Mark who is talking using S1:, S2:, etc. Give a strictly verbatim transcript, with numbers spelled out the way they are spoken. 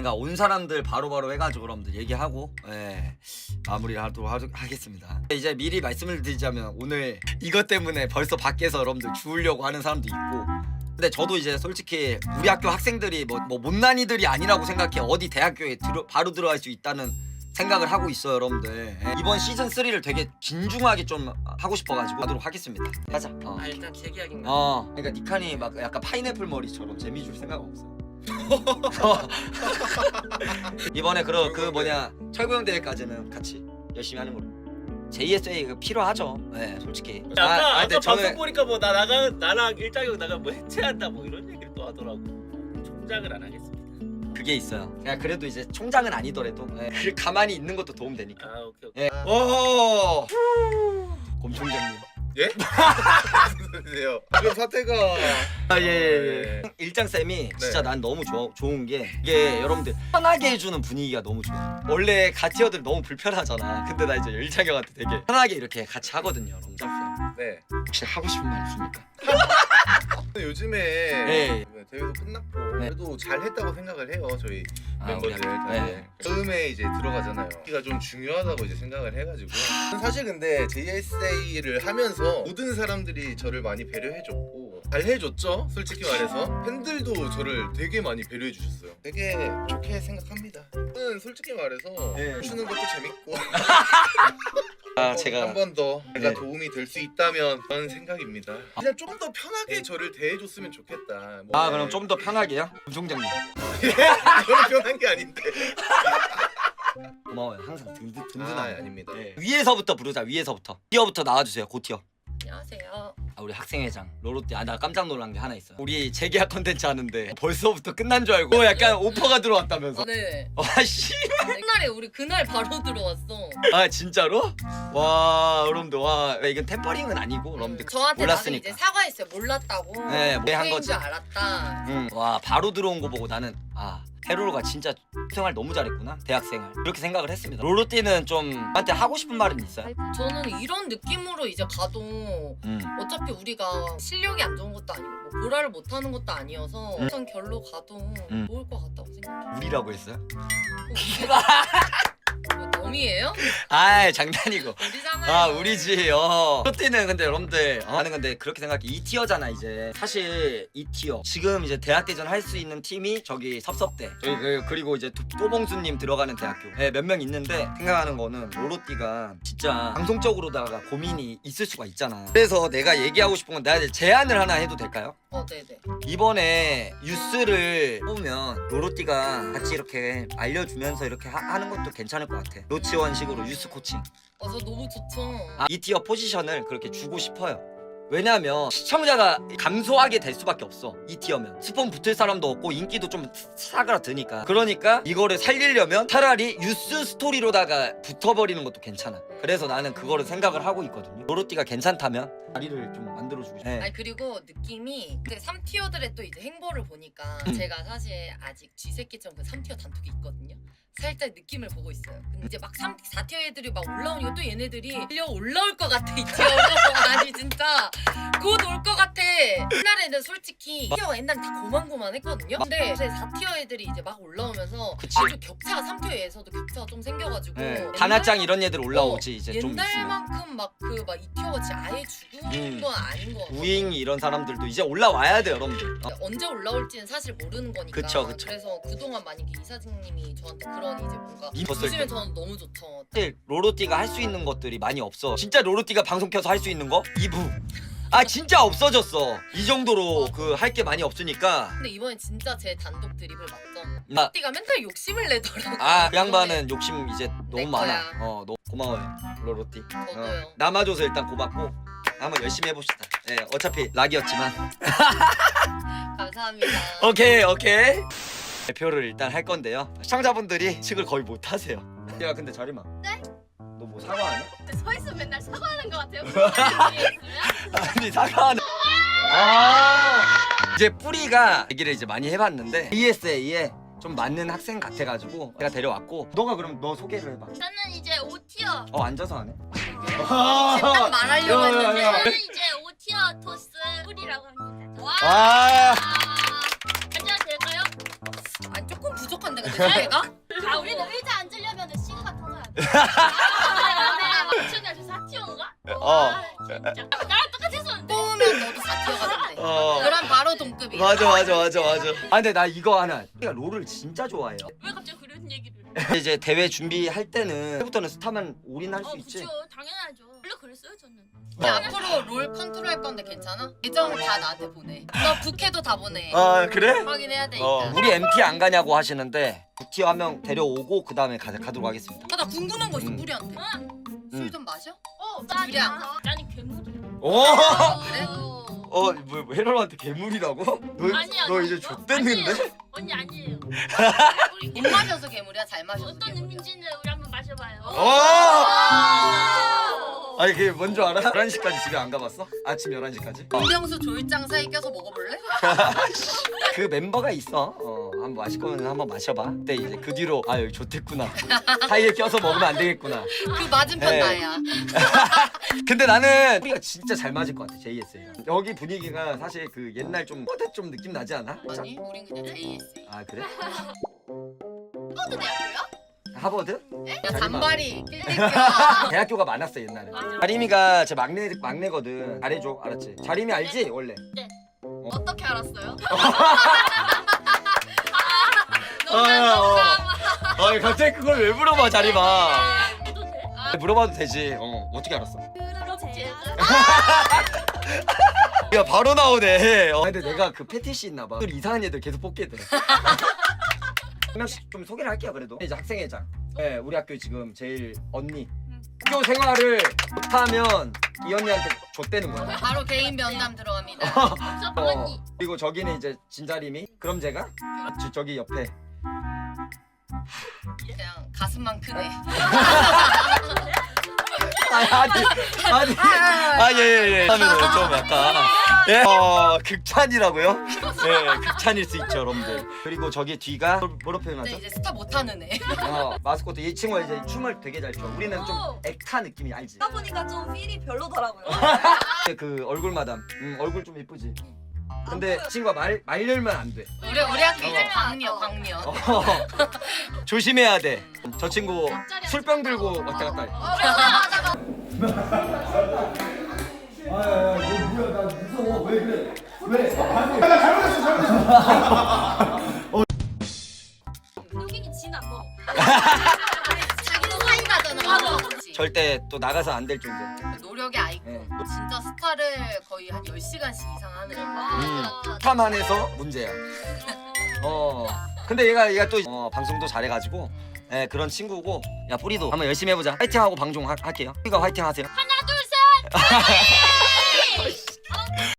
S1: 그러니까 온 사람들 바로바로 해가지고 여러분들 얘기하고 예, 마무리를 하도록 하, 하겠습니다. 이제 미리 말씀을 드리자면 오늘 이것 때문에 벌써 밖에서 여러분들 주우려고 하는 사람도 있고, 근데 저도 이제 솔직히 우리 학교 학생들이 뭐, 뭐 못난이들이 아니라고 생각해. 어디 대학교에 들어, 바로 들어갈 수 있다는 생각을 하고 있어요 여러분들. 예, 이번 시즌 쓰리를 되게 진중하게 좀 하고 싶어가지고 하도록 하겠습니다. 가자. 어,
S2: 아 일단 제 계약인가?
S1: 어 그러니까 니칸이 막 약간 파인애플 머리처럼 재미 줄 생각 없어. 이번에 그, 그 뭐냐 철구형 대회까지는 같이 열심히 하는 걸로. 제이에스에이 필요하죠. 네, 솔직히.
S2: 아까
S1: 아,
S2: 아,
S1: 근데
S2: 까
S1: 저는-
S2: 방송 보니까 뭐 나 나가 나랑 일장형 나가 뭐 해체한다 뭐 이런 얘기를 또 하더라고. 총장을 안 하겠습니다.
S1: 그게 있어요. 그냥 그래도 이제 총장은 아니더라도 예, 그 가만히 있는 것도 도움 되니까.
S2: 아 오케이 오케이.
S1: 예. 오. 곰총장님.
S3: 예? 무슨 소리세요? 지금 사태가
S1: 아, 예, 예.
S3: 네.
S1: 일장 쌤이 진짜
S3: 네.
S1: 난 너무 좋아, 좋은 게 이게 여러분들 편하게 해주는 분위기가 너무 좋아. 원래 가티어들 너무 불편하잖아. 근데 나 이제 일장 형한테 되게 편하게 이렇게 같이 하거든요, 여러분. 쌤.
S3: 네.
S1: 혹시 하고 싶은 말 있습니까?
S3: 요즘에
S1: 네.
S3: 대회도 끝났고
S1: 네.
S3: 그래도 잘했다고 생각을 해요 저희
S1: 아,
S3: 멤버들
S1: 우리
S3: 다들.
S1: 네.
S3: 처음에 이제 들어가잖아요. 키가 좀 중요하다고 이제 생각을 해가지고 사실 근데 제이에스에이를 하면서 모든 사람들이 저를 많이 배려해줬고 잘해줬죠. 솔직히 말해서 팬들도 저를 되게 많이 배려해 주셨어요. 되게 좋게 생각합니다. 저는 솔직히 말해서
S1: 네.
S3: 추는 것도 재밌고
S1: 아, 제가
S3: 한 번 더 제가
S1: 네.
S3: 도움이 될 수 있다면 그런 생각입니다. 그냥 좀 더 편하게 저를 대해줬으면 좋겠다. 뭐,
S1: 아 그럼 좀 더 편하게요? 곰총장님
S3: 저는 편한 게 아닌데.
S1: 고마워요. 항상 든든
S3: 아
S1: 든든하게.
S3: 아닙니다.
S1: 네. 위에서부터 부르자. 위에서부터. 티어부터 나와주세요. 고티어.
S4: 안녕하세요.
S1: 아, 우리 학생회장 로로띠. 아 나 깜짝 놀란 게 하나 있어요. 우리 재계약 컨텐츠 하는데 벌써부터 끝난 줄 알고 약간 오퍼가 들어왔다면서.
S4: 아, 네.
S1: 와 씨.
S4: 옛날에 우리 그날 바로 들어왔어.
S1: 아 진짜로? 와 여러분들 와 이건 템퍼링은 아니고 여러분들
S4: 음, 저한테 나중에
S1: 몰랐으니까.
S4: 이제 사과했어요. 몰랐다고.
S1: 네, 뭐한
S4: 인
S1: 거지.
S4: 줄 알았다.
S1: 응. 와 바로 들어온 거 보고 나는 아 헤로로가 진짜 생활 너무 잘했구나 대학생활 그렇게 생각을 했습니다. 로로띠는 좀 나한테 하고 싶은 말은 있어요?
S4: 저는 이런 느낌으로 이제 가도
S1: 음.
S4: 어차피 우리가 실력이 안 좋은 것도 아니고 뭐 보라를 못하는 것도 아니어서
S1: 음.
S4: 우선 결로 가도
S1: 음.
S4: 좋을 것 같다고 생각해요.
S1: 우리라고 했어요?
S4: 뭐 덤이에요?
S1: 아 장난이고.
S4: 우리잖아요.
S1: 아 우리지. 어 로띠는 근데 여러분들 어, 나는 근데 그렇게 생각해. 이 티어잖아 이제. 사실 이 티어 지금 이제 대학대전 할 수 있는 팀이 저기 섭섭대 저기 그, 그리고 이제 도- 또봉수님 들어가는 대학교 네, 몇 명 있는데 생각하는 거는 로로띠가 진짜 방송적으로다가 고민이 있을 수가 있잖아. 그래서 내가 얘기하고 싶은 건 내가 이제 제안을 하나 해도 될까요?
S4: 어, 네네.
S1: 이번에 뉴스를 보면 로로띠가 같이 이렇게 알려주면서 이렇게 하, 는 것도 괜찮을 것 같아. 노치원식으로 뉴스 코칭.
S4: 어, 저 너무 좋죠.
S1: 아, 이 티어 포지션을 그렇게 주고 싶어요. 왜냐면 시청자가 감소하게 될 수밖에 없어. 이 티어면 스폰 붙을 사람도 없고 인기도 좀 사그라드니까. 그러니까 이거를 살리려면 차라리 뉴스 스토리로다가 붙어버리는 것도 괜찮아. 그래서 나는 그거를 생각을 하고 있거든요. 로로띠가 괜찮다면 자리를 좀 만들어주고 싶어. 네.
S4: 아니 그리고 느낌이 그 삼 티어들의 또 이제 행보를 보니까
S1: 음.
S4: 제가 사실 아직 쥐새끼처럼 그 삼 티어 단톡이 있거든요. 살짝 느낌을 보고 있어요. 근데 이제 막 삼, 사 티어 애들이 막 올라오니까 또 얘네들이 밀려 올라올 것 같아 이 티어로. 아니 진짜 곧 올 것 같아. 옛날에는 솔직히 티어가 옛날에 다 고만고만했거든요. 근데 이제 사 티어 애들이 이제 막 올라오면서
S1: 그치.
S4: 아주 격차가 삼 티어에서도 격차가 좀 생겨가지고
S1: 네. 다나짱 이런 애들 올라오지
S4: 어,
S1: 이제 좀 있으면.
S4: 옛날만큼 막 그 막 이 티어 같이 아예 죽은
S1: 음.
S4: 건 아닌 것 같아요.
S1: 우잉 이런 사람들도 이제 올라와야 돼 여러분들. 어.
S4: 언제 올라올지는 사실 모르는 거니까.
S1: 그쵸, 그쵸.
S4: 그래서 그동안 만약에 이사장님이 저한테 그런 이제 뭔가
S1: 입었을
S4: 주시면
S1: 때.
S4: 저는 너무 좋죠.
S1: 사실 로로띠가 할 수 있는 것들이 많이 없어. 진짜 로로띠가 방송 켜서 할 수 있는 거? 이 부. 아 진짜 없어졌어. 이 정도로 그 할 게 많이 없으니까.
S4: 근데 이번엔 진짜 제 단독 드리블 맞죠?
S1: 나
S4: 띠가 맨날 욕심을 내더라고.
S1: 아 그 양반은 욕심 이제 너무
S4: 내
S1: 많아.
S4: 거야.
S1: 어 너무 고마워요 로로띠.
S4: 저도요.
S1: 남아줘서 일단 고맙고 한번 열심히 해봅시다. 예 어차피 락이었지만.
S4: 감사합니다.
S1: 오케이 오케이. 대표를 일단 할 건데요. 시청자분들이 측을 거의 못 하세요. 야 근데 자리마.
S5: 네?
S1: 너 뭐 사과하냐?
S5: 서 있으면 맨날 사과하는 것 같아요. 그런 일이 있으면.
S1: 아니 사과하는. 아 이제 뿌리가 얘기를 이제 많이 해봤는데 이에스에이에 좀 맞는 학생 같아가지고 제가 데려왔고 너가 그럼 너 소개를 해봐.
S5: 저는 이제 오 티어.
S1: 어 앉아서 하네.
S4: 딱 말하려고
S1: 야, 야,
S4: 했는데.
S1: 야.
S5: 저는 이제 오 티어 토스 뿌리라고 합니다. 와.
S1: 아
S5: 앉아도 될까요?
S4: 아니 조금 부족한데 근데 있는데 얘가?
S5: 아 우리는 의자 앉으려면 시그가 터져야 돼. 춘이야 저 사티온가?
S1: 어.
S5: 진짜 나랑 똑같이 했었는데.
S4: 뽑으면 너도 사티어가 된대.
S1: 어.
S4: 그럼 바로 동급이야.
S1: 맞아 맞아 맞아 맞아. 아 근데 나 이거 하나. 내가 롤을 진짜 좋아해요.
S5: 왜 갑자기 그런 얘기를?
S1: 이제 대회 준비할 때는 때부터는 스타만 올인할 수
S5: 어
S1: 있지.
S5: 그죠 당연하죠. 원래 그랬어요 저는.
S4: 근데 앞으로 롤 컨트롤 할 건데 괜찮아? 계정 다 나한테 보내. 너 부캐도 다 보내.
S1: 아 그래?
S4: 확인해야 되니까.
S1: 어. 우리 엠티 안 가냐고 하시는데 부티 한 명 데려오고 그 다음에 가, 가도록 하겠습니다.
S4: 아, 나 궁금한 거 있어
S1: 음.
S4: 무리한테. 술 좀 마셔?
S5: 어
S4: 둘이 안
S5: 나 아니 괴물이.
S1: 오.
S4: 그래?
S1: 어, 뭐, 뭐 헤럴한테 괴물이라고? 너,
S5: 아니야,
S1: 너
S5: 너-
S1: 이제 좆됐는데?
S5: 아니에요. 언니 아니에요. 우리
S4: 못 마셔서 괴물이야? 잘 마셔서
S5: 어떤
S4: 괴물이야?
S5: 의미인지는 우리 한번 마셔봐요.
S1: 오! 아니 그게 뭔 줄 알아? 열한 시까지 집에 안 가봤어? 아침 열한 시까지?
S4: 김병수 조일장 사이 껴서 먹어볼래?
S1: 그 멤버가 있어. 어, 한번 마실 거면 한번 마셔봐. 근데 이제 그 뒤로 아 여기 좋댔구나. 사이에 껴서 먹으면 안 되겠구나.
S4: 그 맞은편
S1: 네.
S4: 나야.
S1: 근데 나는 우리가 진짜 잘 맞을 것 같아 제이에스가. 여기 분위기가 사실 그 옛날 좀 허드 좀 느낌 나지 않아?
S4: 아니 우린 그냥 제이에스에이.
S1: 아 그래?
S5: 어떤 대학교야?
S1: 하버드?
S4: 야 잔발이 낄낄껴.
S1: 대학교가 많았어 옛날에.
S5: 맞아.
S1: 자림이가 제 막내 막내거든. 잘해줘, 알았지? 자림이 알지 원래?
S5: 어떻게 알았어요?
S1: 아, 어. 아 갑자기 그걸 왜 물어봐 자림아?
S5: 해도 돼?
S1: 물어봐도 되지. 어 어떻게 알았어?
S5: 그럼 제가
S1: 야 바로 나오네. 어, 근데 내가 그 패티시 있나봐. 이상한 애들 계속 뽑게 돼. 한 명씩 좀 소개를 할게요 그래도. 이제 학생회장. 네, 우리 학교 지금 제일 언니. 학교 생활을 못하면 이 언니한테 줬대는 거야.
S4: 바로 개인 면담 들어갑니다.
S5: 저
S1: 어,
S5: 언니.
S1: 그리고 저기는 이제 진자림이. 그럼 제가 저, 저기 옆에.
S4: 그냥 가슴만 크네.
S1: 아니 아니 아니 아예예예 하면은 좀 약간 예 어 극찬이라고요? 예 극찬일 수 있죠 여러분들. 그리고 저기 뒤가 뭐- 뭐로
S4: 근데
S1: 표현하죠?
S4: 이제 스타 못하는 애.
S1: 어 마스코트 이 친구가 이제 춤을 되게 잘 춰. 우리는 좀
S5: 오.
S1: 액타 느낌이 알지?
S6: 하다 보니까 좀 필이 별로더라고요.
S1: 그 얼굴 마담. 음 얼굴 좀 이쁘지. 근데 친구가 말 말열면 안 돼.
S4: 우리 우리 학교 이제
S1: 어.
S4: 광녀 광녀.
S1: 어, 조심해야 돼. 저 친구 술병 들고 왔다 갔다 해. 아야야 너 뭐야 나 무서워 왜 그래 왜?
S5: 여기는 진아 뭐.
S4: 자기는 사이가잖아. 그치?
S1: 절대 또 나가서 안 될 존재.
S4: 노력의 아이콘.
S1: 네.
S4: 진짜 스타를 거의 한 열 시간씩 이상 하는.
S1: 음, 스타만 해서 문제야. 어. 근데 얘가 얘가 또 어, 방송도 잘해가지고 예, 그런 친구고. 야 뿌리도 한번 열심히 해보자. 화이팅하고 방송 하, 할게요. 뿌리가 화이팅하세요.
S5: 하나 둘 셋.